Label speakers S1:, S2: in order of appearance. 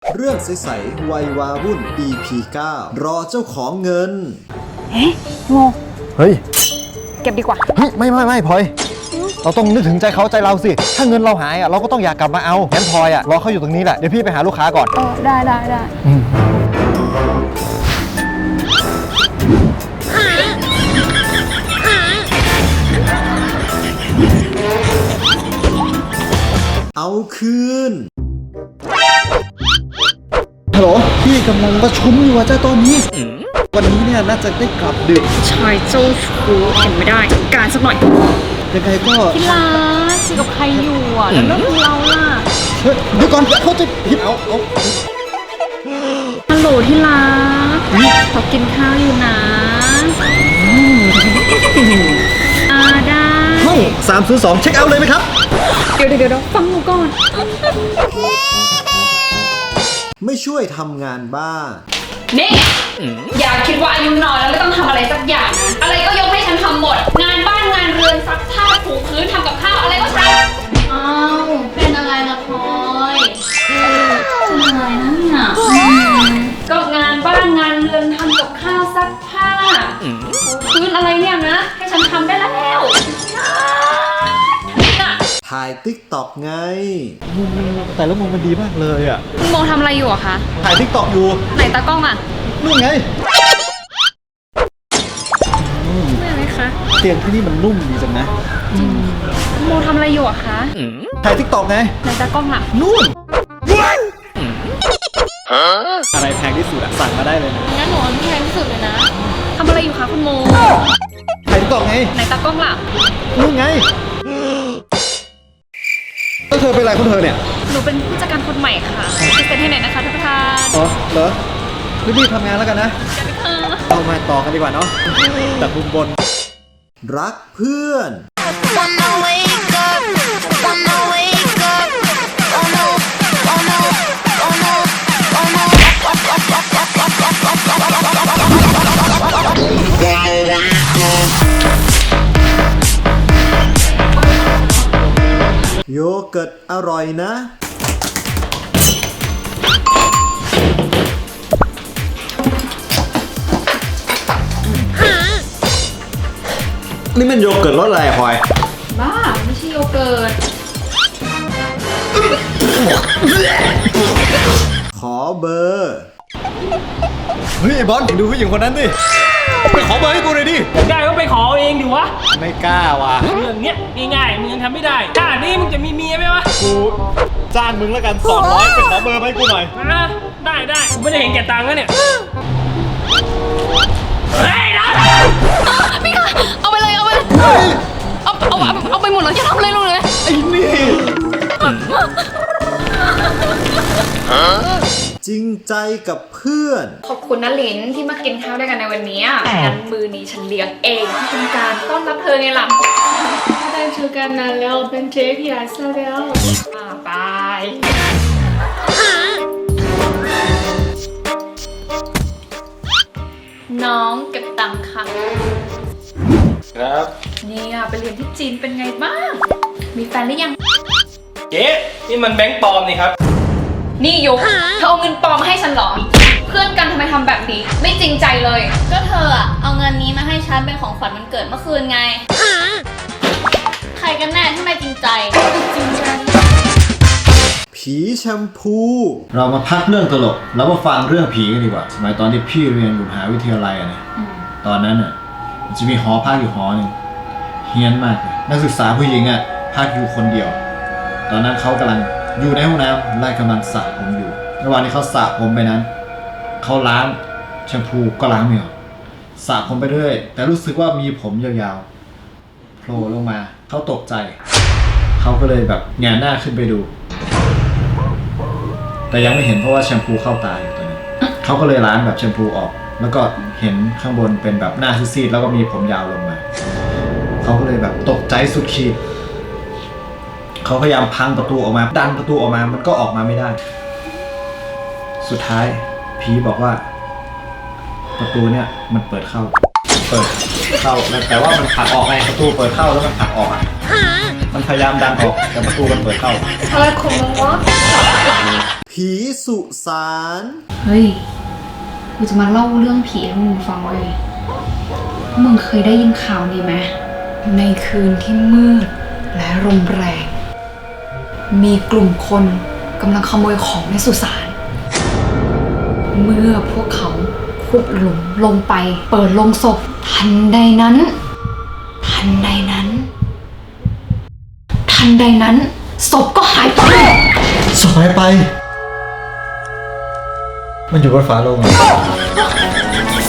S1: เรื่องใสๆวัยวาวุ่น EP 9 รอเจ้าของเงิน
S2: เฮ้ยโง
S3: เฮ้ย
S2: เก็บดีกว่า
S3: เฮ้ยไม่พลอย เราต้องนึกถึงใจเขาใจเราสิ ถ้าเงินเราหายเราก็ต้องอยากกลับมาเอางั้นพลอยรอเขาอยู่ตรงนี้แหละ เดี๋ยวพี่ไปหาลูกค้าก่อน
S2: ได้
S1: เอาคืน
S3: ฮัลโหลพี่กำลังประชุมอยู่จ้าตอนนี้ วันนี้เนี่ยน่าจะได้กลับดึก
S2: ชายเจ้าชู้เห็นไม่ได้ การสักหน่อย
S3: ยังไงก็
S2: พี่ลาคุยกับใครอยู่อ่ะ แล้วเรื่องของเราล่ะ
S3: เฮ้ยเดี๋ยวก่อนเขาจะผิดเอา
S2: ฮัลโหลที่รักเขากินข้าวอยู่นะได้
S3: ห้อง302เช็คเอาท์เลยไหมครับ
S2: เดี๋ยวฟังหนูก่อน
S1: ไม่ช่วยทำงานบ้าน
S4: นี่อย่าคิดว่าอายุน้อยแล้วไม่ต้องทำอะไรสักอย่างนะอะไรก็ยกให้ฉันทำหมด งานบ้านงานเรือนซักผ้าถูพื้นทำกับข้าวอะไรก็ทำอ้าวเป็นอะไรล่ะพลอยเป็นอะไรนะเนี่ยก็งานบ้านงานเรือนทำกับข้าวซักผ้าถูพื้นอะไรเนี่ยนะให้ฉันทำได้แล้วน่ะ
S1: ถ่ายติ๊กตอกไง
S3: มุมแต่ละมุมมันดีมากเลยอ่ะ
S2: คุณโมทำอะไรอยู่อะคะ
S3: ถ่ายทิกตอกอยู่
S2: ไหนตากล้องอะ
S3: นู่นไง
S2: ไม่อะไรคะ
S3: เตียงที่นี่มันนุ่มดีจังนะ
S2: คุณโมทำอะไรอยู่อะคะ
S3: ถ่ายทิกตอกไง
S2: ไหนตากล้องล่ะ
S3: นู่นอะไรแพงที่สุดสั่งมาได้เลยนะ
S2: งั้นหนูเอาที่แพงที่สุดเลยนะทำอะไรอยู่คะคุณโม
S3: ถ่ายทิกตอกไง
S2: ไหนตากล้องล่ะ
S3: นู่นไงแล้วเธอเป็นอะไรของเธอเนี่ย
S2: หนูเป็นผู้จัดการคนใหม่ค่ะพิเศษให้หน่อยนะคะท่านประธาน
S3: อ๋อเหรอรีบๆทำงานแล้วกันนะ เรามาต่อกันดีกว่าเนาะจากมุมบน
S1: รักเพื่อน
S5: Wanna wake up, wanna wake up. Oh no, oh no, oh no, oh no.
S1: โยเกิร์ตอร่อยนะ นี่มันโยเกิร์ตรสอะไรพลอย
S4: บ้าไม่ใช่โยเกิร์ต
S1: ขอเบอร์
S3: เฮ้ยไอ้บอลดูผู้หญิงคนนั้นดิ ไปขอเบอร์ให้กูหน่อยดิ
S6: ได้ก็ไปขอเองดิวะ
S3: ไม่กล้าว่ะ
S6: เรื่องเนี้ยง่ายๆมึงยังทำไม่ได้ชาตินี้มึงจะมีเมียไหมวะ
S3: กูจ้างมึงแล้วกัน200ไปขอเบอร์ให้กูหน่อย
S6: อ่ะได้กูไม่ได้เห็นแก่ตังค์แล้วเนี่ยเฮ้ยนะ
S2: พี่ค่ะเอาไปเลยเอาไปเลยเอาไปหมดเลยอย่าทำอะไรลงเลย
S3: ไอ้นี่
S1: จริงใจกับเพื่อน
S4: ขอบคุณนะลินที่มากินข้าวด้วยกันในวันนี้งั้นมือนี้ฉันเลี้ยงเองเป็นการต้อนรับเธอไงล่ะได้เจอกันนานแล้วเป็นเจ๊พี่อาซะแล้วบายน้องเก็บตังค่ะ
S6: ครับ
S4: เนี่ยไปเรียนที่จีนเป็นไงบ้าง มีแฟนหรือยัง
S6: เจ๊นี่มันแบงค์ปลอมนี่ครับ
S4: นี่ยุเธอเอาเงินปลอมมาให้ฉันเหรอ เพื่อนกันทำไมทำแบบนี้ ไม่จริงใจเลย
S5: ก็เธออะเอาเงินนี้มาให้ฉันเป็นของขวัญวันเกิดเมื่อคืนไง ใครกันแน่ที่ไม่จริงใจ
S4: จริงใจ
S1: ผีแชมพู
S3: เรามาพักเรื่องตลกแล้วมาฟังเรื่องผีกันดีกว่า สมัยตอนที่พี่เรียนอยู่มหาวิทยาลัยนะตอนนั้นมันจะมีหอพักอยู่หอหนึ่งเฮี้ยนมากเลยนักศึกษาผู้หญิงพักอยู่คนเดียว ตอนนั้นเขากำลังอยู่ในห้องน้ำไล่กำลังสระผมอยู่ระหว่างที่เขาสระผมไปนั้นเขาล้างแชมพูก็ล้างไม่ออกสระผมไปเรื่อยแต่รู้สึกว่ามีผมยาวๆโผล่ลงมาเขาตกใจเขาก็เลยแบบแงนหน้าขึ้นไปดู แต่ยังไม่เห็นเพราะว่าแชมพูเข้าตาอยู่ตอนนั้นเขาก็เลยล้างแบบแชมพูออก แล้วก็เห็นข้างบนเป็นแบบหน้าซีดๆแล้วก็มีผมยาวลงมาเขาก็เลยแบบตกใจสุดขีดเขาพยายามพังประตูออกมาดันประตูออกมามันก็ออกมาไม่ได้ สุดท้ายผีบอกว่า ประตูเนี่ยมันเปิดเข้าแต่ว่ามันผลักออกไงประตูเปิดเข้าแล้วมันผลักออกมันพยายามดันออกแต่ประตูมันเปิดเข้า
S4: อะไรของมึงวะ
S1: ผีสุสาน
S2: เฮ้ย กูจะมาเล่าเรื่องผีให้มึงฟังเว้ยมึงเคยได้ยินข่าวนี้ไหมในคืนที่มืดและลมแรง มีกลุ่มคนกำลังขโมยของในสุสาน เมื่อพวกเขาขุดหลุมลงไปเปิดโลงศพทันใดนั้น ศพก็หายไป
S3: สบายไป มันอยู่บนฝาโลงอะ